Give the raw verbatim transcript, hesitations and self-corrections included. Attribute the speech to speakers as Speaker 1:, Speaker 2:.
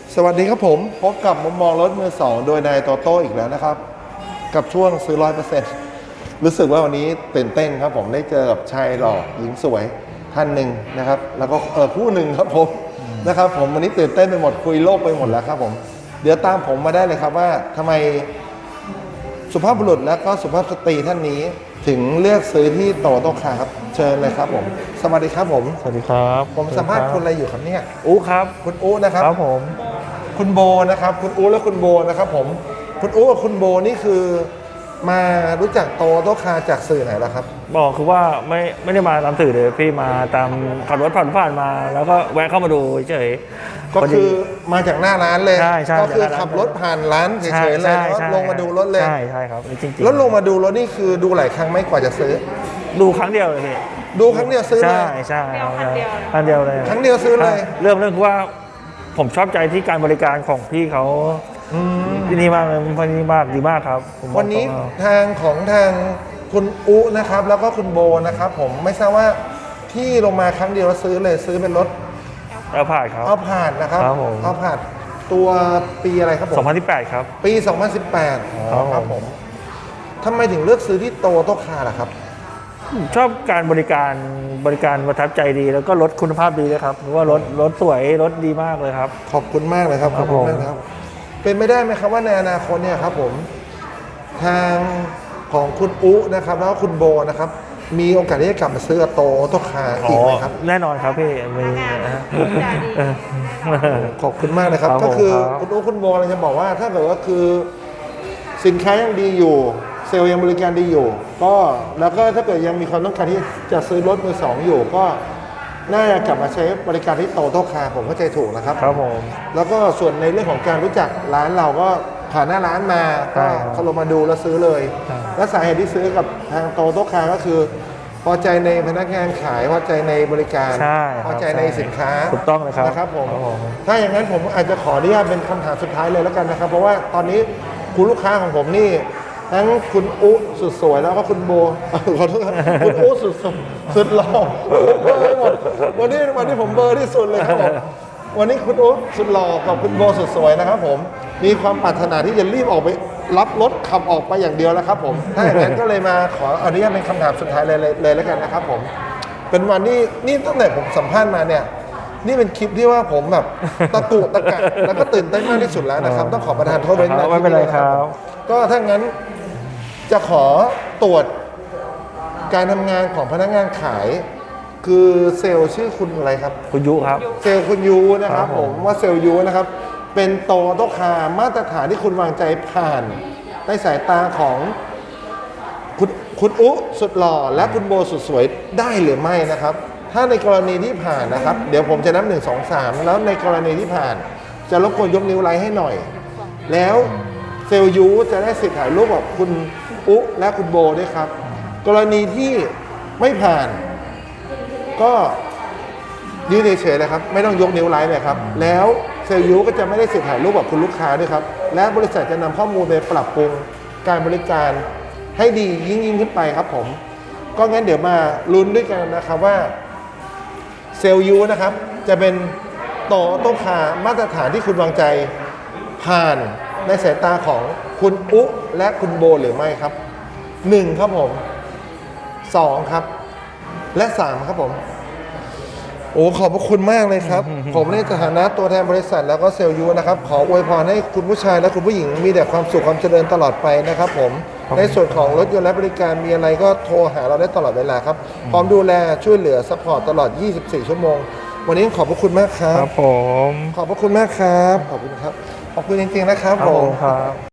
Speaker 1: สวัสดีครับผมพบกับมุมมองรถมือสองโดยนายโตโต้อีกแล้วนะครับกับช่วงซื้อร้อยเปอร์เซ็นต์รู้สึกว่าวันนี้ตื่นเต้นครับผมได้เจอกับชายหล่อหญิงสวยท่านหนึ่งนะครับแล้วก็เออคู่หนึ่งครับผมนะครับผมวันนี้ตื่นเต้นไปหมดคุยโลกไปหมดแล้วครับผมเดี๋ยวตามผมมาได้เลยครับว่าทำไมสุภาพบุรุษและก็สุภาพสตรีท่านนี้ถึงเลือกซื้อที่โตโต้คาร์ครับเชิญเลยครับผมสวัสดีครับผม
Speaker 2: สวัสดีครับ
Speaker 1: ผมสัมภาษณ์คุณอะไรอยู่ครับเนี่ย
Speaker 2: อู้ครับ
Speaker 1: คุณอู้นะครับ
Speaker 2: ครับผม
Speaker 1: คุณโบนะครับคุณอู้และคุณโบนะครับผมคุณอู้กับคุณโบนี่คือมารู้จักโตโต้คาร์จากสื่อไหนล่ะครับ
Speaker 2: บอกคือว่าไม่ไม่ได้มาตามสื่อเลยพี่มาตามขับรถผ่านผ่านมา แล้วก็แวะเข้ามาดูเฉย
Speaker 1: ก็คือมาจากหน้าร้านเลย
Speaker 2: ใช่ใช่
Speaker 1: ก็คือ
Speaker 2: จากหน้าร้าน
Speaker 1: ขับรถผ่านร้านเฉ
Speaker 2: ใช่
Speaker 1: ยๆเลย
Speaker 2: ใช่
Speaker 1: แล้ว
Speaker 2: ใช่
Speaker 1: ลงมาดูรถเลย
Speaker 2: ใช่ใช่ครับจริงๆ
Speaker 1: แล้วลงมาดูรถนี่คือดูหลายครั้งไหม่กว่าจะซื้อ
Speaker 2: ดูครั้งเดียวเลยพี่
Speaker 1: ดูครั้งเดียวซื้อเล
Speaker 2: ใช่
Speaker 1: ย
Speaker 2: ใช่ครับครั้งเดียวเลย
Speaker 1: ครั้งเดียวซื้อเลย
Speaker 2: เรื่องเรื่องคือว่าผมชอบใจที่การบริการของพี่เขา
Speaker 1: อืม
Speaker 2: ที่นี่มากเลยที่นี่มากดีมากครับผมบอก
Speaker 1: วันนี้
Speaker 2: ตรง
Speaker 1: ทางของทางคุณอู้นะครับแล้วก็คุณโบนะครับผมไม่ทราบว่าที่ลงมาครั้งเดียวแล้วซื้อเลยซื้อเป็นรถ
Speaker 2: แล้วผ่านครับ
Speaker 1: เอาผ่านนะครับ
Speaker 2: ครับผม
Speaker 1: เอาผ่านตัวปีอะไรครับผม
Speaker 2: สองพันสิบแปดครับ
Speaker 1: ปี สองพันสิบแปดอ๋อ
Speaker 2: ครับ
Speaker 1: ครับ
Speaker 2: ผ
Speaker 1: ผม มทำไมถึงเลือกซื้อที่โตโต้คาร์ล่ะครับ
Speaker 2: ชอบการบริการบริการประทับใจดีแล้วก็รถคุณภาพดีเลยครับเพราะว่ารถรถสวยรถดีมากเลยครับ
Speaker 1: ขอบคุณมากเลยครับ
Speaker 2: ค
Speaker 1: ข
Speaker 2: รั
Speaker 1: อ
Speaker 2: บบ
Speaker 1: คุณ
Speaker 2: ผม
Speaker 1: มากนะครับ เป็นไม่ได้ไหมครับว่าในอนาคตเนี่ยครับผม ทางของคุณอุ๊นะครับ แล้วก็คุณโบนะครับ มีโอกาสที่จะกลับมาซื้อโตโต้คาร์อีกไหมครับ
Speaker 2: แน่นอนครับพี่มีนะฮะ
Speaker 1: ขอบคุณมากนะครับ
Speaker 2: ครับ
Speaker 1: ก็คือ
Speaker 2: ผมครับ
Speaker 1: คุณอุ๊คุณโบเราจะบอกว่าถ้าเกิดว่าคือสินค้ายังดีอยู่ เซลล์ยังบริการดีอยู่ ก็แล้วก็ถ้าเกิดยังมีความต้องการที่จะซื้อรถมือสองอยู่ ก็น่าจะกลับมาใช้บริการที่โตโต้คาร์ผมเข้าใจถูกนะครับ
Speaker 2: ครับผม
Speaker 1: แล้วก็ส่วนในเรื่องของการรู้จักร้านเราก็ผ่านหน้าร้านมา
Speaker 2: ใช่
Speaker 1: ก็
Speaker 2: ครับ
Speaker 1: เขาลงมาดูแล้วซื้อเลย
Speaker 2: ใช่
Speaker 1: และสาเหตุที่ซื้อกับทางโตโต้คาร์ก็คือ พอใจในพนักงานขายพอใจในบริการ
Speaker 2: ใช่ครับ
Speaker 1: พอใจในสินค้า
Speaker 2: ถูกต้องเลยครับ
Speaker 1: นะครับผม
Speaker 2: ครับผม
Speaker 1: ถ้าอย่างนั้นผมอาจจะขออนุญาตเป็นคำถามสุดท้ายเลยแล้วกันนะครับ เพราะว่าตอนนี้คุณลูกค้าของผมนี่ทั้งคุณอุ๊สุดสวยแล้วก็คุณโบ ขอโทษครับคุณอุ๊สุดสวยสุดหล่อเบอร์ให้หมดวันนี้วันนี้ผมเบอร์ที่สุดเลยครับผมวันนี้คุณอุ๊สุดหล่อกับคุณโบสุดสวยนะครับผมมีความปรารถนาที่จะรีบออกไปรับรถขับออกไปอย่างเดียวแล้วครับผมถ้าอย่างนั้นก็เลยมาขออนุญาตเป็นคำถามสุดท้ายเลยเลยเลยแล้วกันนะครับผมเป็นวันนี้นี่ตั้งแต่ผมสัมภาษณ์มาเนี่ยนี่เป็นคลิปที่ว่าผมแบบตะกุกตะกักแล้วก็ตื่นเต้นมากที่สุดแล้วนะครับต้องขอประทานโทษด้วยนะ
Speaker 2: ไม่เป็นไรครับ
Speaker 1: ก็ถ้างั้นจะขอตรวจการทำงานของพนักงานขาย คือเซลล์ชื่อคุณอะไรครับ
Speaker 2: คุณยุครับ
Speaker 1: เซลล์คุณยูนะครับ
Speaker 2: ครับ
Speaker 1: ผ
Speaker 2: ผม ม
Speaker 1: ว่าเซลล์ยูนะครับ เป็นโตโต้คาร์มาตรฐานที่คุณวางใจผ่านในสายตาของคุณคุณอุสุดหล่อและคุณโบสุดสวยได้หรือไม่นะครับ ถ้าในกรณีที่ผ่านนะครับ เดี๋ยวผมจะนับหนึ่งสองสามแล้วในกรณีที่ผ่าน จะรบกวนยกนิ้วไลค์ให้หน่อย แล้วเซลล์ยูจะได้สิทธิ์ถ่ายรูปกับคุณอุและคุณโบด้วยครับ กรณีที่ไม่ผ่าน ก็ยืนเฉยๆเลยครับไม่ต้องยกนิ้วไลค์เลยครับแล้วเซลล์ยูก็จะไม่ได้สิทธิ์ถ่ายรูปกับคุณลูกค้าด้วยครับและบริษัทจะนำข้อมูลไปปรับปรุงการบริการให้ดียิ่งยิ่งขึ้นไปครับผมก็งั้นเดี๋ยวมาลุ้นด้วยกันนะครับว่าเซลล์ยูนะครับจะเป็นโตโต้คาร์มาตรฐานที่คุณวางใจผ่านในสายตาของคุณอุและคุณโบหรือไม่ครับหนึ่งครับผมสองครับและสามครับผมโอ้ขอบพระคุณมากเลยครับ ผมในฐานะตัวแทนบริษัทแล้วก็เซลล์ยูนะครับขออวยพรให้คุณผู้ชายและคุณผู้หญิงมีแต่ความสุขความเจริญตลอดไปนะครับผมในส่วนของรถยนต์และบริการมีอะไรก็โทรหาเราได้ตลอดเวลาครับพร้อมดูแลช่วยเหลือซัพพอร์ตตลอดยี่สิบสี่ชั่วโมงวันนี้ขอบพระคุณมากครั
Speaker 2: ค
Speaker 1: บ
Speaker 2: รับผม
Speaker 1: ขอบพระคุณมากครับขอบคุณครับขอบคุณจริงๆนะครับ
Speaker 2: ครับ
Speaker 1: ผ
Speaker 2: ผม มครับ